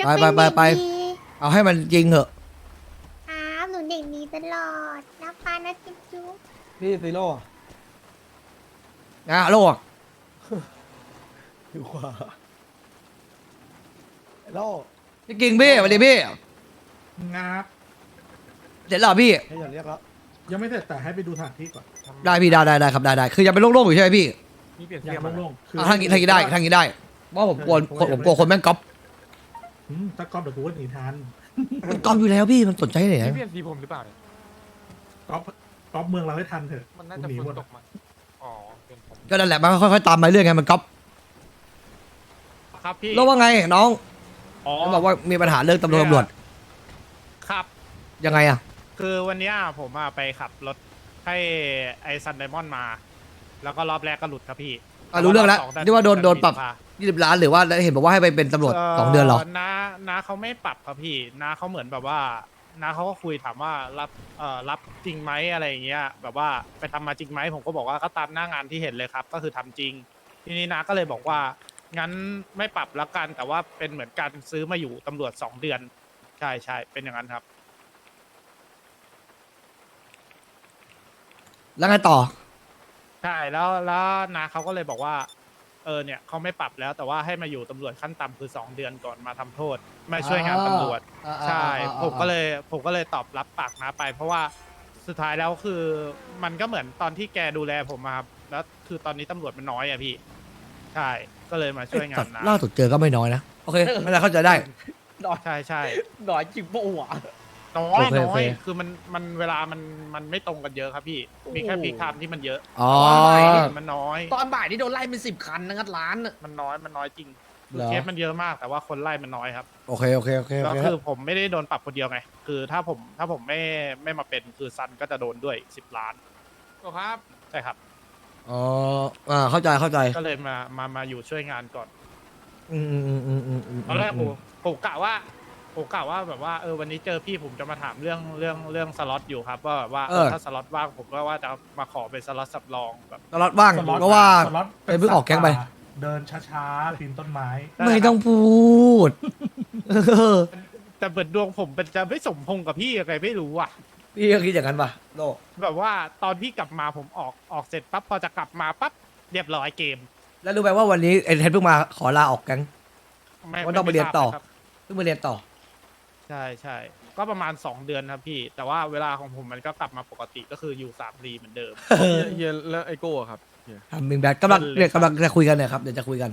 ไปไปไป เอาให้มันจริงเหอะครับหนูเด็กดีตลอดนะป้านะจุ๊บจุ๊บพี่ซีโร่อะนะโลกอยู่ขวาไอ้โล่พี่กิงพี่สวัสดีพี่งับเสร็จแล้วเหรอพี่ให้อย่าเรียกแล้วยังไม่เสร็จแต่ให้ไปดูสถานที่ก่อนได้พี่ได้ครับได้คือยังเป็นโล่งๆอยู่ใช่ไหมพี่มีเปลี่ยนอเสีย่ายงงโล่งๆคือทางนี้ได้ทางนี้ได้เพราะผมกลัวคนแม่งก๊อปถ้าก๊อปเดี๋ยวกูก็หนีทันมันก๊อปอยู่แล้วพี่มันสนใจไหนมีเปลี่ยนสีผมหรือเปล่าเนี่ยก๊อปเมืองเราให้ทันเถอะมันน่าจะกูหนีฝหมนดตกมาอ๋อเป็นผมก็นั่นแหละมันค่อยๆตามมาเรื่อยไงมันก๊อปครับพี่แล้วว่าไงน้องอ๋อเขาบอกว่ามีปัญหาเรื่องตำรวจครับยังไงอะคือวันเนี้ยผมอะไปขับรถให้ไอซันไดมอนด์มา แล้วก็รอบแรกก็หลุดครับพี่รู้เรื่องแล้วบสที่ว่าโดนปรับ20 ล้านหรือว่าเห็นบอกว่าให้ไปเป็นตำรวจ2 เดือนเหรอน้าเขาไม่ปรับครับพี่น้าเขาเหมือนแบบว่าน้าเขาก็คุยถามว่ารับจริงไหมอะไรอย่างเงี้ยแบบว่าไปทำมาจริงไหมผมก็บอกว่าก็ตามหน้างานที่เห็นเลยครับ ก็คือทำจริง ทีนี้น้าก็เลยบอกว่างั้นไม่ปรับละกันแต่ว่าเป็นเหมือนการซื้อมาอยู่ตำรวจ2 เดือนใช่เป็นอย่างนั้นครับแล้วไงต่อใช่แล้วนาเขาก็เลยบอกว่าเนี่ยเขาไม่ปรับแล้วแต่ว่าให้มาอยู่ตำรวจขั้นต่ำคือ2 เดือนก่อนมาทำโทษมาช่วยงานตำรวจใช่ผมก็เลยตอบรับปากนาไป เพราะว่าสุดท้ายแล้วคือมันก็เหมือนตอนที่แกดูแลผมมาครับแล้วคือตอนนี้ตำรวจมันน้อยอะพี่ ใช่ก็เลยมาช่วยงานนาล่าสุดเจอก็ไม่น้อยนะโอเคไม่ได้เข้าใจได้ใช่หน่อยจริงปะวะน้อโอย เคน้โออเคยคือมันเวลามันไม่ตรงกันเยอะครับพี่ มีแค่พีคไทม์ที่มันเยอะอ๋อมันน้อยตอนบ่ายนี่โดนไล่เป็น10 คันนะงัดร้านน่ะมันน้อยจริงคือเหรอเคสมันเยอะมากแต่ว่าคนไล่มันน้อยครับโอเคก็คือผมไม่ได้โดนปรับคนเดียวไง คือถ้าผมไม่มาเป็นคือซันก็จะโดนด้วย10 ล้านครับ ใช่ครับอ๋อเข้าใจก็เลยมาอยู่ช่วยงานก่อนอืมตอนแรกผมกะว่าแบบว่าวันนี้เจอพี่ผมจะมาถามเรื่องสล็อตอยู่ครับว่าแบบว่าถ้าสล็อตว่างผมก็ว่าจะมาขอเป็นสล็อตสำรองแบบตลอดว่างเพราะว่าสล็อตเพิ่งออกแก๊งไปเดินช้าๆปีนต้นไม้ไม่ต้องพูดแต่เปิดดวงผมเป็นจะไม่สมพงษ์กับพี่อะไรไม่รู้อ่ะพี่ก็คิดอย่างนั้นป่ะโลแบบว่าตอนพี่กลับมาผมออกเสร็จปั๊บพอจะกลับมาปั๊บเรียบร้อยเกมแล้วรู้ไหมว่าวันนี้เอ็นเทนเพิ่งมาขอลาออกแก๊ง ว่าต้องไปเรียนต่อม่ทาบครับเพิ่งมาเรียนต่อใช่ก็ประมาณ2 เดือนครับพี่ แต่ว่าเวลาของผมมันก็กลับมาปกติก็คืออยู่3 รีเหมือนเดิมเฮียแล้วไอโก้อะครับเฮียทำมิงแบทกำลังจะคุยกันเนี่ยครับเดี๋ยวจะคุยกัน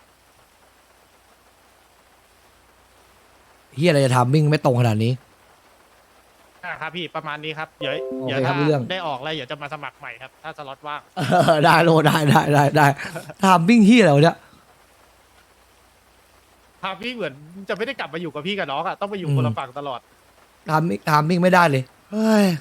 เฮียอะไรจะทำมิ่งไม่ตรงขนาดนี้ครับพี่ประมาณนี้ครับเดี๋ยวโอเคเดี๋ยวครัถ้าบรู้เรื่องได้ออกแล้วเดี๋ยวจะมาสมัครใหม่ครับ ถ้าสล็อตว่างได้โลได้ทำมิ่งเฮียอะไรวะเนี่ยครับพี่เหมือนจะไม่ได้กลับมาอยู่กับพี่กับน้องอะต้องไปอยู่คนละฝั่งตลอดทำมิ่งไม่ได้เลยเฮ้ย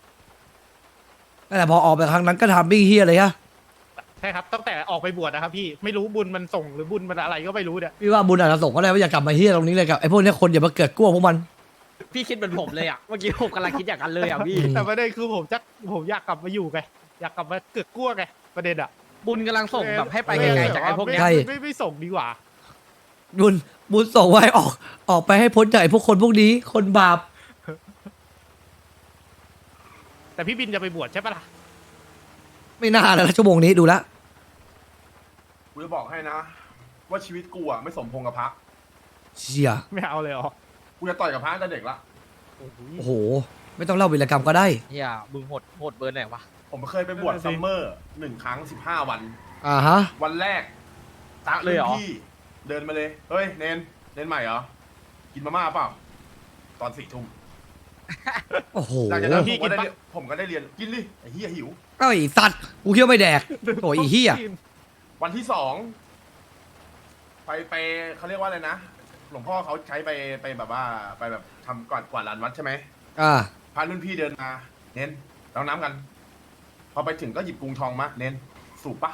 แต่พอออกไปครั้งนั้นก็ทำมิ่งเฮียเลยฮะใช่ครับตั้งแต่ออกไปบวชนะครับพี่ไม่รู้บุญมันส่งหรือบุญมันอะไรก็ไม่รู้เนี่ยพี่ว่าบุญอาจจะส่งก็ได้ว่าอยากกลับมาเฮียตรงนี้เลยกับไอ้พวกเนี้ยคนอย่ามาเกิดกลัวพวกมันพี่คิดเหมือนผมเลยอ่ะ เมื่อกี้ผมกำลังคิดอย่างนั้นเลยอ่ะพี่แต่ประเด็นคือผมอยากกลับมาอยู่ไงอยากกลับมาเกิดกลัวไงประเด็นอะบุญกำลังส่งแบบให้ไปไกลๆจากไอ้พวกเนี้ยใช่ไม่ส่งดีกว่าบุญส่งไว้ออกไปให้พ้นจากไอ้พวกคนพวกนี้คนบาปแต่พี่บินจะไปบวชใช่ปะล่ะไม่น่าแล้วชั่วโมงนี้ดูแล้วกูจะบอกให้นะ ว่าชีวิตกูอ่ะไม่สมพงษ์กับพระเชี่ยไม่เอาเลยเหรอกูจะต่อยกับพระตั้งแต่เด็กละโอ้โห ไม่ต้องเล่าวีรกรรมก็ได้เฮียมึงโหดเบอร์ไหนวะผมเคยไปบวชซัมเมอร์1 ครั้ง 15 วันอ่าฮะวันแรกตาเลยเหรอพี่เดินมาเลย เฮ้ย เนนใหม่เหรอ กินมาม่าเปล่า ตอน4 ทุ่มโอ้โหหลังจากนั้นพี่ผมก็ได้กินปะผมก็ได้เรียนกินดิไอ้เหี้ยหิวเอ้าไอ้สัตว์กูเคี้ยวไม่แดกโอ้ยไอ้เหี้ยวันที่2ไปเขาเรียกว่าอะไรนะ หลวงพ่อเขาใช้ไปแบบว่าไปแบบทำกวาดลานวัดใช่ไหมอ่าพารุ่นพี่เดินมา เน้นเราน้ำกัน พอไปถึงก็หยิบกรุงทองมา เน้นสูบปะ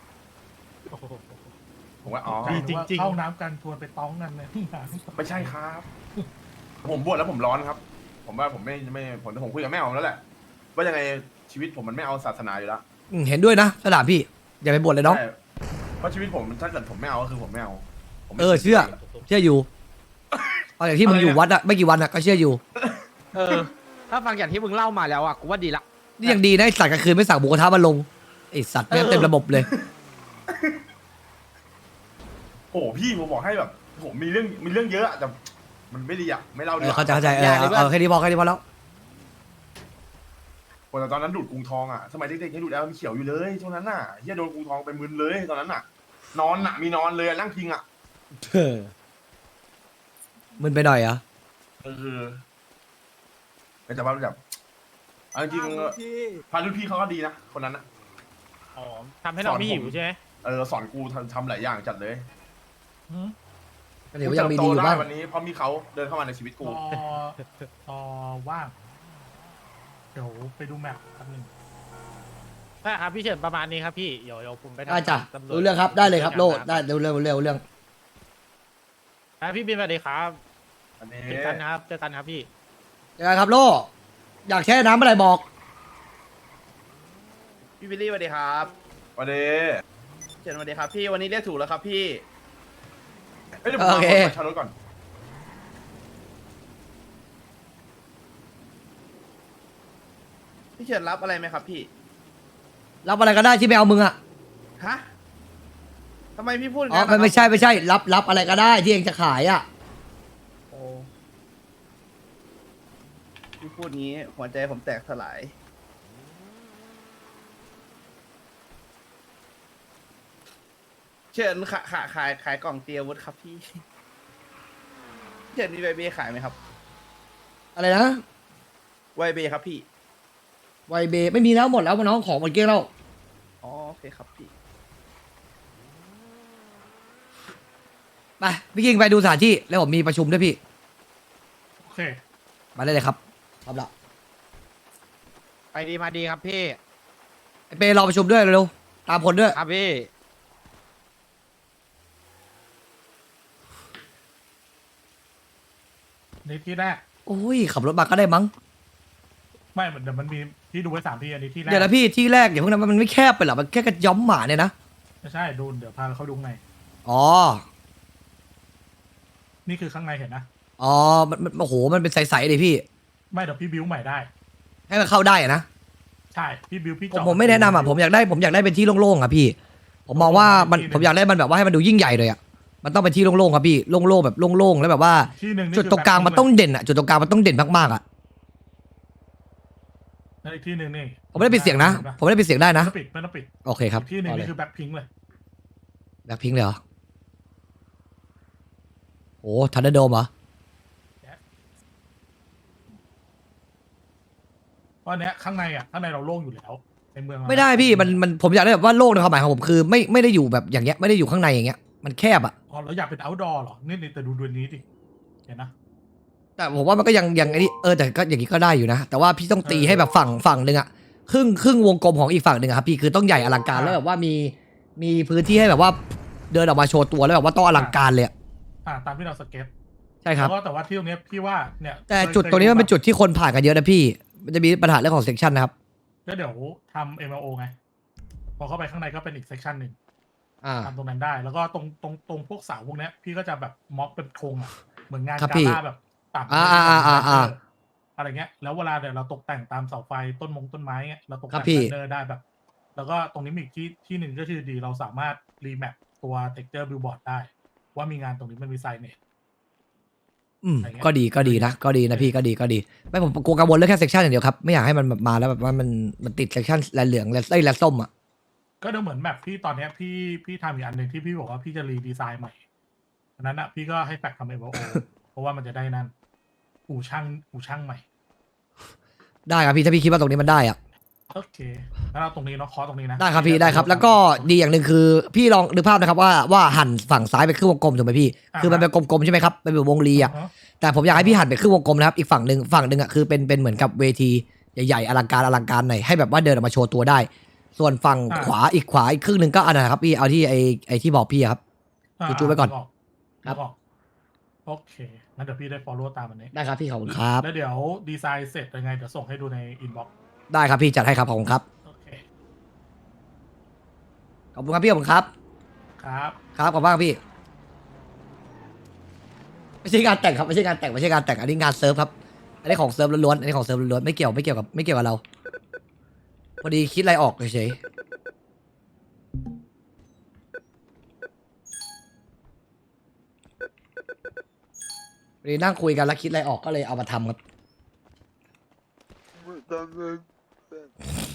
ผมว่าอ๋อจริงๆเข้าน้ำกันทวนไปต้องกันเลยไม่ใช่ครับ ผมบวชแล้วผมร้อนครับ ผมว่าผมไม่ผมคุยกับแม่ผมแล้วแหละ ว่ายังไงชีวิตผมมันไม่เอาศาสนาอยู่แล้วเห็นด้วยนะสนามพี่ อย่าไปบ่นเลยน้องใช่เพราะชีวิตผมถ้าเกิดผมไม่เอาก็คือผมไม่เอาผมไม่เชื่ออยู่เอาอย่างที่มึงอยู่วัดอะไม่กี่วันอะก็เชื่ออยู่เออ ถ้าฟังอย่างที่มึงเล่ามาแล้วอ่ะกูว่าดีละนี่ยังดีนะไอ้สัตว์กลางคืนไม่สั่งหมูกระทะมาลงไอสัตว์แม่งเต็มระบบเลยโอ้พี่ผมบอกให้แบบผมมีเรื่องเยอะอะแต่มันไม่ดีอะไม่เล่าดีกว่าเข้าใจเอาแค่นี้พอแล้วโอ้แต่ตอนนั้นดูดกรุงทองอะสมัยเด็กๆให้ดูดแอลมันเขียวอยู่เลยช่วงนั้นน่ะเฮียโดนกรุงทองไปมึนเลยตอนนั้นน่ะ นอนน่ะมีนอนเลยอะนั่งพิงอะมึนไปหน่อยเหรอแต่ว่าแบบเอาจริงๆพารุ่นพี่เขาก็ดีนะคนนั้นนะอ๋อทำให้เราไม่หิวใช่ไหมสอนกูทำหลายอย่างจัดเลยก็เดี๋ยวยังมีดีอยู่บ้างวันนี้เพราะมีเขาเดินเข้ามาในชีวิตกูว่าง เดี๋ยวไปดูแมปแป๊บนึงได้ครับพี่เฉินประมาณนี้ครับพี่เดี๋ยวผมไปทำได้จ้ะตำวจรู้เรื่องครับได้เลยครับโลดได้เรื่องพี่บินสวัสดีครับอันนี้เจอกันนะครับเจอกันครับพี่เจอกันครับโลอยากแช่น้ำเมื่อไหร่บอกพี่วิลลี่สวัสดีครับวันนี้เจนสวัสดีครับพี่วันนี้เรียกถูกแล้วครับพี่เดี๋ยวผมมาชาร์จรถก่อนพี่เฉินรับอะไรไหมครับพี่รับอะไรก็ได้ที่ไม่เอามึงอะฮะทำไมพี่พูดอย่างอ๋อนั้นไม่ใช่รับอะไรก็ได้ที่เองจะขายอะโอ้พี่พูดงี้หัวใจผมแตกสลายเชิญขายกล่องเตียวุฒครับพี่เชิญมีไวเบขายไหมครับอะไรนะไวเบครับพี่ไวเบไม่มีแล้วหมดแล้วน้องของหมดเกลี้ยงแล้วอ๋อโอเคครับพี่ไปพี่กิงไปดูสถานที่แล้วผมมีประชุมด้วยพี่โอเคมาได้เลยครับพร้อมละไปดีมาดีครับพี่ไอเปรอประชุมด้วยเร็วๆตามคนด้วยครับพี่นี่ที่แรกโอ้ยขับรถมาก็ได้มั้งไม่เดี๋ยวมันมีที่ดูไว้3 ที่อันนี้ที่แรกเดี๋ยวนะพี่ที่แรกเดี๋ยวพวกนั้นมันไม่แคบไปหรอมันแค่กระย้อมหมาเนี่ยนะไม่ใช่ดูเดี๋ยวพาเขาดูข้างในอ๋อนี่คือข้างในเห็นนะอ๋อมันโอ้โหมันเป็นใสๆเลยพี่ไม่เดี๋ยวพี่บิวใหม่ได้ให้มันเข้าได้อะนะใช่พี่บิวพี่ผมไม่แนะนำอ่ะผมอยากได้เป็นที่โล่งๆอ่ะพี่ ผมมองว่ามันผมอยากได้มันแบบว่าให้มันดูยิ่งใหญ่เลยอ่ะมันต้องเป็นที่โล่งๆครับพี่โล่งๆแบบโล่งๆแล้วแบบว่าที่หนึ่งนี่จุดตรงกลางมันต้องเด่นอ่ะจุดตรงกลางมันต้องเด่นมากๆอ่ะนั่นอีกที่หนึ่งนี่ผมไม่ได้ปิดเสียงนะผมไม่ได้ปิดเสียงได้นะไม่ต้องปิดโอเคครับอีกที่หนึ่งเอาเลยนี่คือแบ็คพิงค์เลยแบ็คพิงค์เลยเหรอโอ้ทันเดอร์โดมเหรอเพราะเนี้ยข้างในเราโล่งอยู่แล้วในเมืองเราไม่ได้พี่มันผมอยากได้แบบว่าโล่งในความหมายของผมคือไม่ได้อยู่แบบอย่างเงี้ยไม่ได้อยู่ข้างในอย่างเงี้ยมันแคบอ่ะอ๋อเราอยากเป็น outdoor เหรอนี่แต่ดูนี้ดิเห็นนะแต่ผมว่ามันก็ยังไอ้นี่แต่ก็อย่างนี้ก็ได้อยู่นะ แต่ว่าพี่ต้องตีให้แบบฝั่งหนึ่งอะครึ่งวงกลมของอีกฝั่งหนึ่งอะครับพี่คือต้องใหญ่อลังการแล้วแบบว่ามีพื้นที่ให้แบบว่าเดินออกมาโชว์ตัวแล้วแบบว่าต้องอลังการเลยอะตามที่เราสเก็ตใช่ครับแล้วก็แต่ว่าที่ตรงเนี้ยพี่ว่าเนี่ยแต่จุดตรงนี้มันเป็นจุดที่คนผ่านกันเยอะนะพี่ มันจะมีปัญหาเรื่องของเซกชันนะครับก็เดี๋ยวทำ MLO ไงพอเข้าไปข้างในก็เป็นอีกเซกชันหนึ่งอ่าทำตรงนั้นได้ แล้วก็ตรงพวกเสาพวกเนี้ยพี่ก็จะแบบม็อกเป็นโครงอะเหมือนงานครับกาพี่ล่าแบบต่ำ อะไรเงี้ยแล้วเวลาเดี๋ยวเราตกแต่งตามเสาไฟต้นไม้เงี้ยเราตกครัแต่บงพี่แบนเนอร์ได้แบบ แล้วก็ตรงนี้มีอีกที่หนึ่งก็คือดีเราสามารถรีแมปตัวเท็กเจอร์บิลบอร์ดได้ ว่ามีงานตรงนี้มันมีไซเนต อะไรเงี้ยก็ดีนะก็ดีนะพี่ก็ดีไม่ผมกลัวกังวลเรื่องแค่เซกชันอย่างเดียวครับไม่อยากให้มันแบบมาแล้วแบบว่ามันติดเซกชันแลเหลืองแลส้มอะก็เดี๋ยวเหมือนแบบที่ตอนเนี้ยพี่ทำอีกอันหนึ่งที่พี่บอกว่าพี่จะรีดีไซน์ใหม่อันนั้นอ่ะพี่ก็ให้แฟกทำ MLO เพราะว่ามันจะได้นั่นอู่ช่างใหม่ได้ครับพี่ถ้าพี่คิดว่าตรงนี้มันได้อะโอเคแล้วเราตรงนี้เนาะคอตรงนี้นะได้ครับพี่ได้ครับ แล้วก็ดีอย่างหนึ่งคือพี่ลองนึกภาพนะครับว่าหันฝั่งซ้ายไปครึ่งวงกลมถูกไหมพี่คือมันเป็นกลมๆใช่ไหมครับเป็นแบบวงรีอ่ะ แต่ผมอยากให้พี่หันไปครึ่งวงกลมนะครับอีกฝั่งหนึ่งอ่ะคือเป็นเหมือนกับเวทีใหญ่ๆอลังการหน่อยให้แบบว่าเดินออกมาโชว์ตัวได้ ส่วนฝั่งขวาอีกครึ่งหนึ่งก็อันนั้นนะครับพี่เอาที่ไอที่บอกพี่อะครับ จูๆไว้ก่อน ครับโอเคงั้นเดี๋ยวพี่ได้ follow ตามอันนี้ได้ครับพี่ขอบคุณครับแล้วเดี๋ยวดีไซน์เสร็จยังไงเดี๋ยวส่งให้ดูใน inbox ได้ครับพี่จัดให้ครับขอบคุณครับโอเคขอบคุณครับพี่ขอบคุณครับครับครับขอบคุณมากพี่ไม่ใช่งานแต่งครับไม่ใช่งานแต่งไม่ใช่งานแต่งอันนี้งานเซิร์ฟครับอันนี้ของเซิร์ฟล้วนๆอันนี้ของเซิร์ฟล้วนๆไม่เกี่ยวกับเราพอดีคิดอะไรออกเฉยๆพอดีนั่งคุยกันแล้วคิดอะไรออกก็เลยเอามาทำครับ